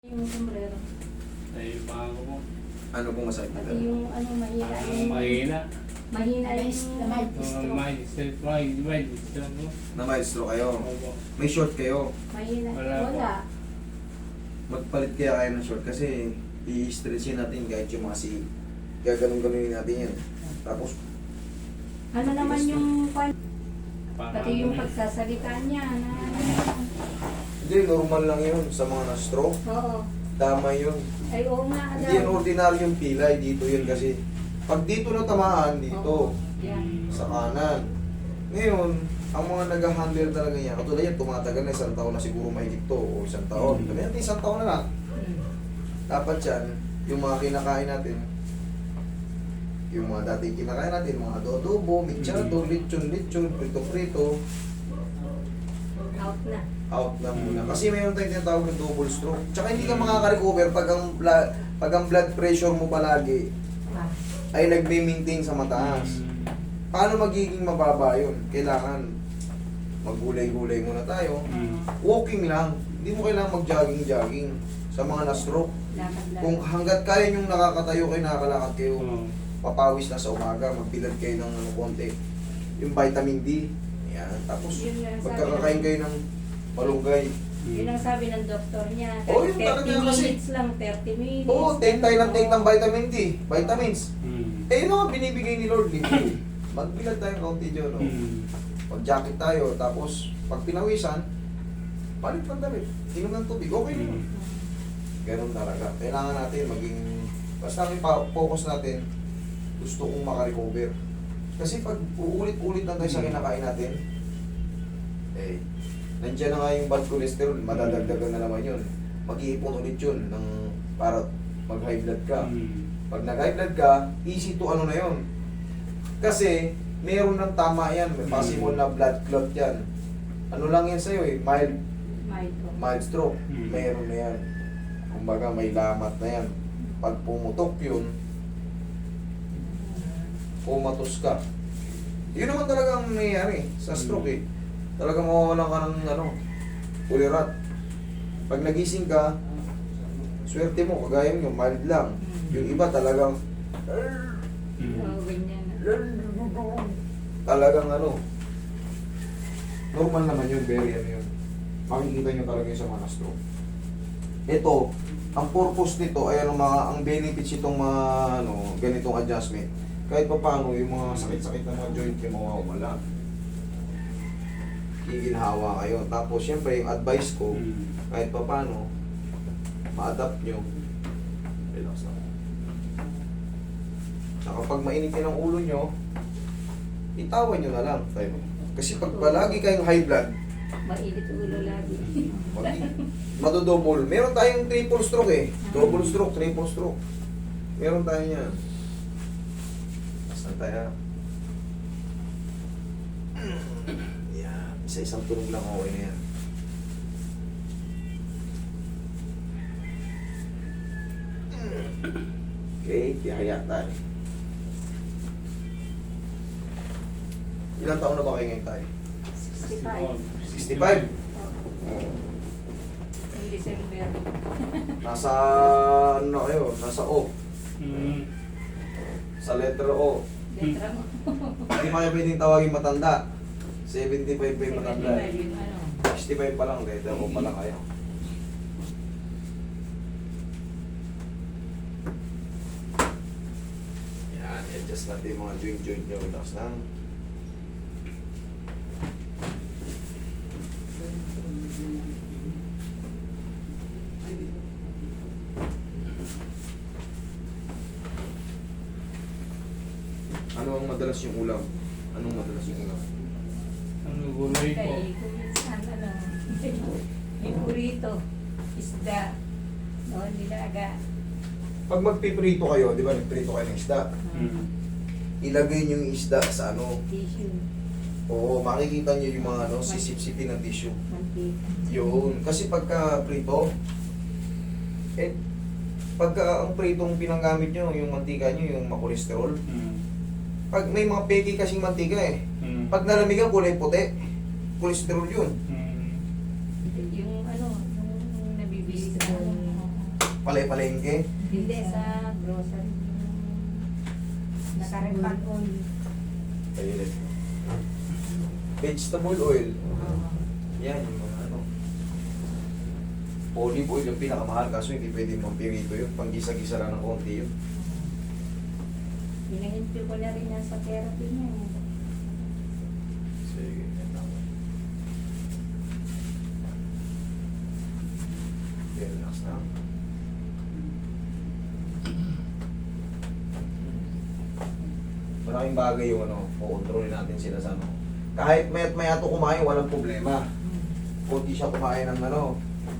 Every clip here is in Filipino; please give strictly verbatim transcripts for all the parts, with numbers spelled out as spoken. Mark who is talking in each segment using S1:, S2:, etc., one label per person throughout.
S1: Yung sombrero.
S2: Ay, yung paa ko po.
S3: Ano pong masakit
S1: Pati
S3: nila?
S1: yung ano, mahina
S2: Ang
S1: yung...
S2: mahina.
S1: Mahina yung...
S2: Ang mahina. Mahina. Mahina po.
S3: Na maestro kayo.
S2: Opo.
S3: May short kayo.
S1: Mahina.
S2: Wala po.
S1: Wala.
S3: Magpalit kaya kayo ng short kasi i-stretchin natin kahit yung mga si gaganong-ganunin natin yan. Tapos,
S1: Ano naman yung... pan-
S2: Parang
S1: Pati yung
S2: ano,
S1: pagsasalita niya na...
S3: hindi, normal lang yun sa mga na-stroke.
S1: Oo.
S3: Tama yun.
S1: Ay, oo nga.
S3: Hindi yan ordinary yung pilay. Dito yun kasi. Pag dito na tamaan,
S1: Oo.
S3: dito.
S1: Yan.
S3: Sa kanan. Ngayon, ang mga nag-handle talaga niya, katulad yan, tumatagal na isang taon na siguro mahigit to, o isang taon.
S2: Mm.
S3: Kaya isang taon na lang.
S1: Hmm.
S3: Dapat yan, yung mga kinakain natin, yung mga dating kinakain natin, mga adobo, mechado, lechon, lechon, prito-prito,
S1: Out na.
S3: out na muna. Kasi mayroon tayong tinatawag na double stroke. Tsaka hindi ka makaka-recover pag ang, bla- pag ang blood pressure mo palagi
S1: Ah.
S3: ay nagme-maintain sa mataas. Paano magiging mababa yun? Kailangan maggulay-gulay muna tayo.
S2: Mm.
S3: Walking lang. Hindi mo kailangan mag-jogging-jogging sa mga na-stroke.
S1: Lakad lang.
S3: Kung hanggat kaya nyong nakakatayo kayo, nakakalakad kayo,
S2: Oo.
S3: papawis na sa umaga, magbilad kayo ng ano, konti. Yung vitamin D. Yan. Tapos,
S1: Yun nga ang sabi
S3: magkakakain
S1: ng-
S3: kayo ng malunggay.
S1: Yun ang sabi ng doktor niya.
S3: Oo, yun
S1: thirty
S3: talaga kasi-
S1: minutes lang, thirty minutes.
S3: Oo, take tayo ng take ng vitamin D. Vitamins.
S2: Mm.
S3: Eh, yun ang binibigay ni Lord. Libre. Magbilad tayo ng konti dyan. No?
S2: Mm.
S3: Mag-jacket tayo. Tapos, pag pinawisan, palit ng damit. Inom ng tubig. Okay naman.
S2: Mm.
S3: Ganun talaga. Kailangan natin maging... Basta ang ipa- focus natin, gusto kong makarecover. Kasi pag uulit-ulit lang tayo sa kinakain natin, eh, nandiyan na nga yung bad cholesterol, madadagdagan na naman yun. Mag-iipon ulit yun ng, para mag-high blood ka.
S2: Mm.
S3: Pag nag-high blood ka, easy to ano na yun. Kasi, meron ng tama yan. May possible na blood clot yan. Ano lang yan sa'yo eh, mild,
S1: Mild po.
S3: mild stroke.
S2: Mm.
S3: Meron na yan. Kumbaga, may lamat na yan. Pag pumutok yun, pumatos ka. Yun naman talaga ang nangyayari sa stroke eh. Talagang mawawalan ka ng ano, ulirat. Pag nagising ka, swerte mo, kagaya nyo, mild lang. Yung iba talagang,
S2: Mm.
S1: Oo, ganyan.
S3: talagang ano, normal naman yun, very ano yun. Makikita nyo talaga yung sa mga stroke. Ito, ang purpose nito ay ano, mga, ang benefits itong mga ano, ganitong adjustment. Kahit pa paano, yung mga sakit-sakit na mga joint yung mawawala. Giginhawa kayo. Tapos, syempre, yung advice ko,
S2: Mm.
S3: kahit pa paano, ma-adapt nyo. Relax lang. Saka pag mainitin ang ulo nyo, itawan nyo na lang. Tayo. Kasi pag palagi kayong high blood,
S1: Mainit ulo lagi.
S3: mag- madodouble. Meron tayong triple stroke eh. Double stroke, triple stroke. Meron tayo yan. Saan tayo? Yan. Isa-isang tunog lang okay na yan. Okay, tihaya tayo. Ilang taon na ba kayo ngayon tayo?
S1: sixty-five.
S3: sixty-five?
S1: Yung December.
S3: Nasa ano na kayo? Nasa O.
S2: Mm.
S3: Sa letter O.
S1: Letra mo.
S3: Hindi mo kayo pwedeng tawagin matanda. seventy-five pa yung matanda.
S1: seventy-five yung ano.
S3: sixty-five pa lang. Letter O pa lang kayo. Yan. I-adjust natin yung mga joint-joint nyo. Relax lang. Ano ang madalas yung ulam? Anong madalas yung ulam?
S2: Ano gulay po?
S1: Kay kuminsan ano. Yung burrito. Isda. No, nilaga.
S3: Pag magpiprito kayo, di ba nagprito kayo ng isda,
S2: Mm.
S3: ilagay nyo yung isda sa ano,
S1: Tissue.
S3: oo, makikita nyo yung mga ano, sisip-sipin ng tissue.
S1: Mantika.
S3: Yun, kasi pagka prito, eh, pagka ang pritong pinanggamit nyo, yung mantika nyo, yung makolesterol,
S2: Mm.
S3: pag may mga peki kasing mantika eh,
S2: Mm.
S3: pag nalamigan, kulay puti, kolesterol yun.
S2: Mm.
S1: Yung ano, yung nabibili sa ano.
S3: palay-palengke.
S1: Hindi sa grocery. Nakarepan oil.
S3: Ayun. Vegetable oil. Yan, yung mga ano. Olive oil yung pinakamahal kaso hindi pwede mampirito yun. Panggisa-gisa lang ng konti yun.
S1: Pinahinti ko na rin yan sa therapy niya.
S3: Sige, yan lang. Okay, relax na. Maraming bagay yung ano, kukontrolin natin sila sa ano. Kahit mayat maya to kumain, walang problema. Kung di siya kumain ng ano,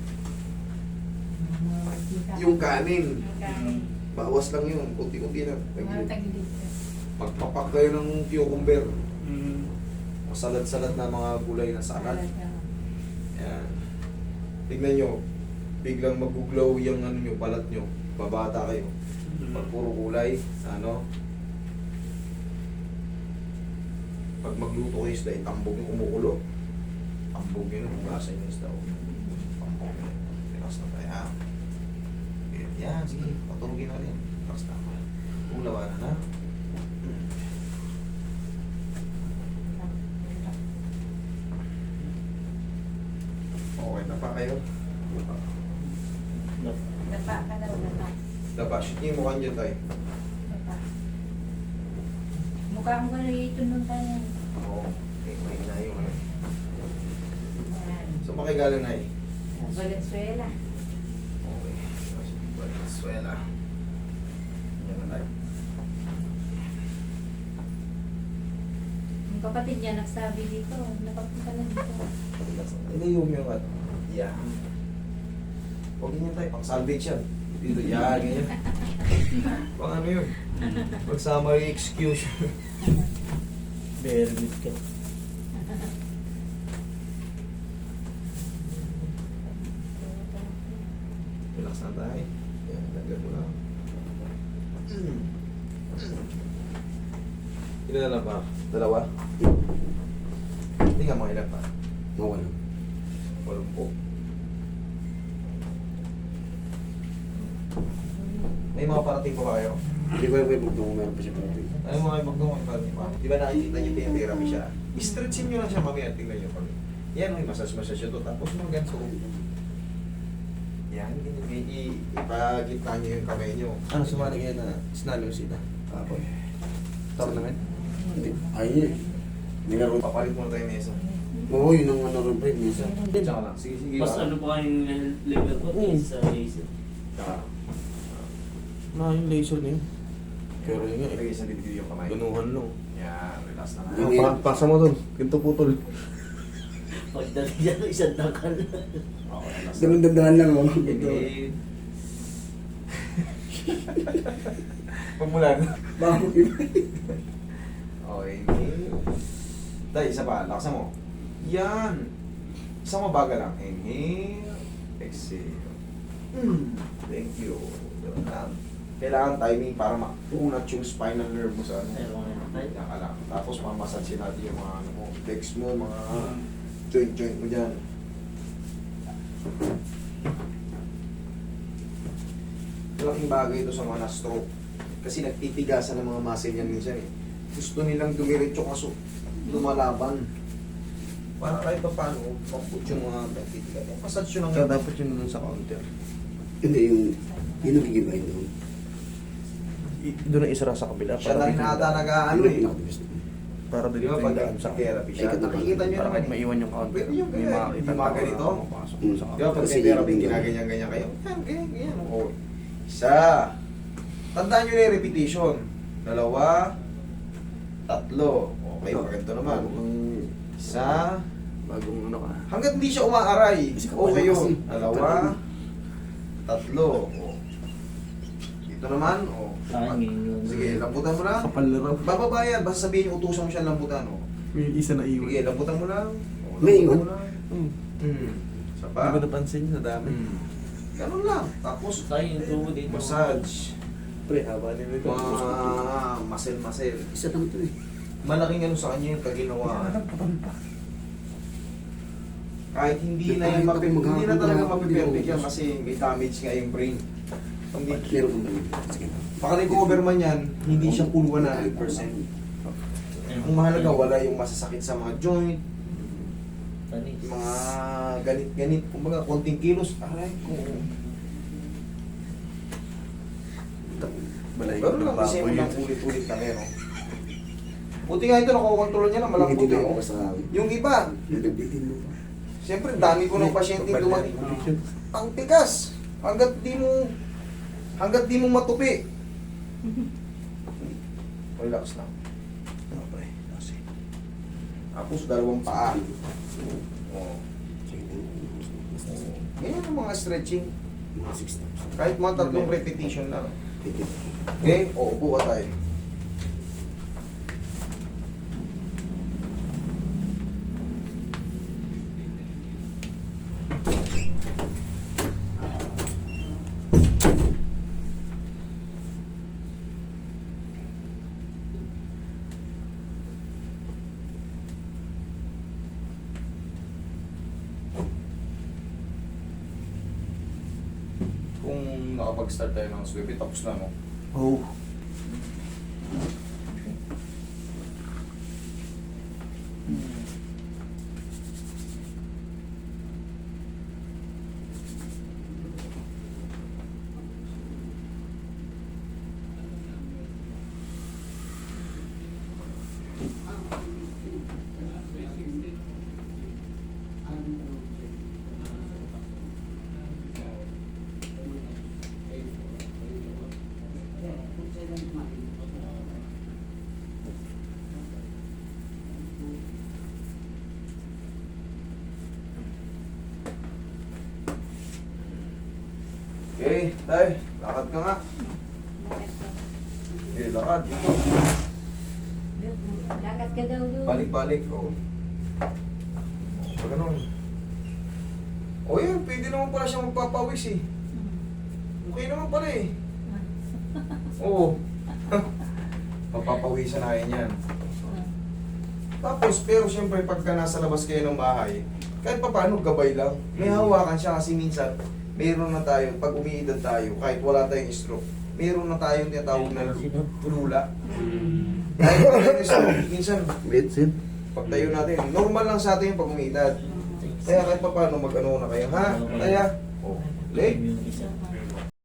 S3: yung kanin.
S1: Yung kanin.
S3: Bawas lang yun, kunti-kunti lang.
S1: Mga tagilid.
S3: Magpapak kayo ng cucumber.
S2: Mm.
S3: Masalad-salad na mga gulay na salad.
S1: Talaga.
S3: Yan. Tignan nyo, biglang mag-glow yung ano nyo, balat nyo. Babata kayo. Pag puro kulay, ano. Pag magluto kayo isda, itambog yung kumukulo. Tambog yun, hugasan yung isda. Tambog yun. Relax na tayo, ha? Yan, sige, patulogin na rin. Relax na ako. Ulawanan na. Okay na pa kayo?
S1: Dapa ka daw, dapa.
S3: Dapa, shoot niyo yung mukha niyo tayo.
S1: Dapa. Mukha mo na ito nung tayo.
S3: Oo. Okay, may na yung ano.
S1: Yan.
S3: So, makigaling na eh.
S1: Valenzuela.
S3: Okay. Venezuela. Yan na tayo.
S1: Yung kapatid niya nagsabi dito, nakapunta na dito.
S3: Hindi yung yung ano. Yan. Huwag ganyan tayo, pang salvage yan. Dito, yan, ganyan. Pang ano yun? Pag summary excuse.
S4: Very good ka.
S3: Relax na tayo. Yan, lagyan mo lang. Ilan na lang pa? Dalawa? Hindi nga mga ilan pa.
S4: Mawala.
S3: Walumpo. May mga parating pa ba kayo?
S4: Hindi ko yung magdungo meron pa siya pa rin.
S3: Ano mga ibang mga parating pa? Di ba nakikita niyo yung therapy siya? I-stretchin niyo lang siya mamaya. Tingnan niyo pag yan, may massage-massage ito. Tapos mga ganso. Yan, i- i- ipagitna niyo yung kamay niyo.
S4: Ano sumali kayo na sinali mo sila? Apoy. Tournament? Hindi. Ay, nilaro.
S3: Papalit muna tayo mesa.
S4: Oo, yun ang ano rin break minsan.
S3: Tsaka lang. Sige, sige.
S5: Mas ano pa kayong level ko
S4: Mm.
S5: sa laser.
S3: Tsaka.
S4: Na yung laser na yun. Pero yun nga eh.
S3: Lagay sa dibdib yung kamay.
S4: Ganuhan lang.
S3: Yan, relax na nga.
S4: Yung pa pasa mo dun. Ganito putol.
S5: Pagdali dyan, isang takal.
S3: Okay, relax na.
S4: Ganun dandahan lang oh.
S3: Inhale. Pagmulan.
S4: Bakit?
S3: Okay, inhale. Dahil isa pa, laksan mo. Yan. Isa mo baga lang. Inhale. Exhale. Mm. Thank you. Ganun lang. Kailangan timing para makunat yung spinal nerve mo sa ano.
S5: Ayaw ko na
S3: Yan ka lang. Tapos mamassage natin yung mga ano mo, legs mo, mga joint-joint mo dyan. Malaking bagay ito sa mga na-stroke. Kasi nagtitigasan ng mga muscle yan minsan eh. Gusto nilang dumiretso kaso lumalaban. Para kahit pa paano, mamput yung mga nagtitigas. Yung massage yun ang
S4: So dapat yun dun sa counter.
S6: Hindi, yung yun ang gigibay doon.
S4: Doon ang isara sa kabila.
S3: siya na rin ata nag-ano eh.
S4: Para
S3: Di
S4: dito
S3: ba
S4: yung
S3: pag
S4: daan sa
S3: therapy siya,
S6: Ay,
S3: nakikita nyo
S4: para
S3: naman
S4: kahit
S3: eh.
S4: maiwan yung counter.
S3: Pwede yung
S4: May
S3: ganyan,
S4: makakita
S3: yung mga
S4: ka
S3: ganito.
S4: na mapasok
S6: Mm.
S4: sa
S3: Di ba pag
S6: Kasi
S3: may therapy,
S6: yung-
S3: ginaganyan-ganyan kayo? Yan, ganyan, ganyan. Oh. Isa. Tandaan nyo na yung repetition. Dalawa. Tatlo. Okay, maganda naman.
S4: Ang
S3: Isa.
S4: bagong ano ka.
S3: Hanggat hindi siya umaaray.
S6: Kasi
S3: Okay yun.
S6: kasi.
S3: Dalawa. Tatlo. Oh. Dito naman. Oh.
S5: Kain.
S3: Sige, lambutan mo lang.
S4: Kapal na raw.
S3: Bababa yan. Basta sabihin yung utusan mo siya lambutan. Oh.
S4: May isa na iwan.
S3: Sige, lambutan mo lang. Oh,
S6: May
S3: lambutan
S6: iwan?
S3: mo lang.
S4: Hmm.
S3: Hmm. Isa
S4: Hindi
S3: pa.
S4: ko napansin sa dami.
S3: Hmm. Ganun lang. Tapos,
S5: Tayo yung tubo dito.
S3: massage.
S4: Pre, haba nila ito.
S3: Mga muscle-muscle.
S6: Isa lang ito eh.
S3: Malaking ano sa kanya yung kaginawaan. Kahit hindi na yan mapi, hindi na talaga mapiperfect yan kasi may damage nga yung brain. Hindi,
S6: Meron kong dami. Sige.
S3: makarecover man yan, hindi siya full one hundred percent. Ang mahalaga, wala yung masasakit sa mga joint,
S5: Tanis.
S3: yung mga ganit-ganit, kumbaga konting kilos, aray ko.
S6: Balay.
S3: Pero lang kasi mo lang ulit-ulit na meron. Buti nga ito, nakukontrol niya na malambot
S6: Hindi
S3: eh.
S6: ako
S3: oh.
S6: sa
S3: Yung iba,
S6: Nagbitin mo pa.
S3: siyempre dami ko ng pasyente dumating. Ang tigas, hanggat di mo, hanggat di mo matupi. Relax lang.
S6: Okay. Kasi.
S3: Tapos dalawang paa. Oh.
S6: Sige.
S3: Ganyan ang mga stretching.
S6: Mga six steps.
S3: Kahit mga tatlong repetition lang.
S6: Pwede.
S3: Okay? O, upo ka tayo. Kung nakapag-start tayo ng swimming, tapos na, no?
S6: Oh.
S3: Okay, tayo. Lakad ka nga.
S1: Bakit ba?
S3: Okay, lakad.
S1: Lakad ka daw doon.
S3: Balik-balik. Oo. O, ganun. O yan, pwede naman pala siya magpapawis eh.
S1: Hmm.
S3: Okay naman pala eh. Oo. Papapawisan na yan yan. Tapos, pero siyempre, pagka nasa labas kayo ng bahay, kahit pa paano, gabay lang. May hawakan siya kasi minsan, meron na tayo, pag umiidad tayo, kahit wala tayong stroke, meron na tayong tinatawag na lula. Kahit wala tayong stroke, minsan,
S6: Medicine.
S3: pagtayo natin, normal lang sa atin yung pag umiidad. Kaya kahit pa paano, mag-ano na kayo, ha? Kaya, oh, leg,
S5: Yung isa.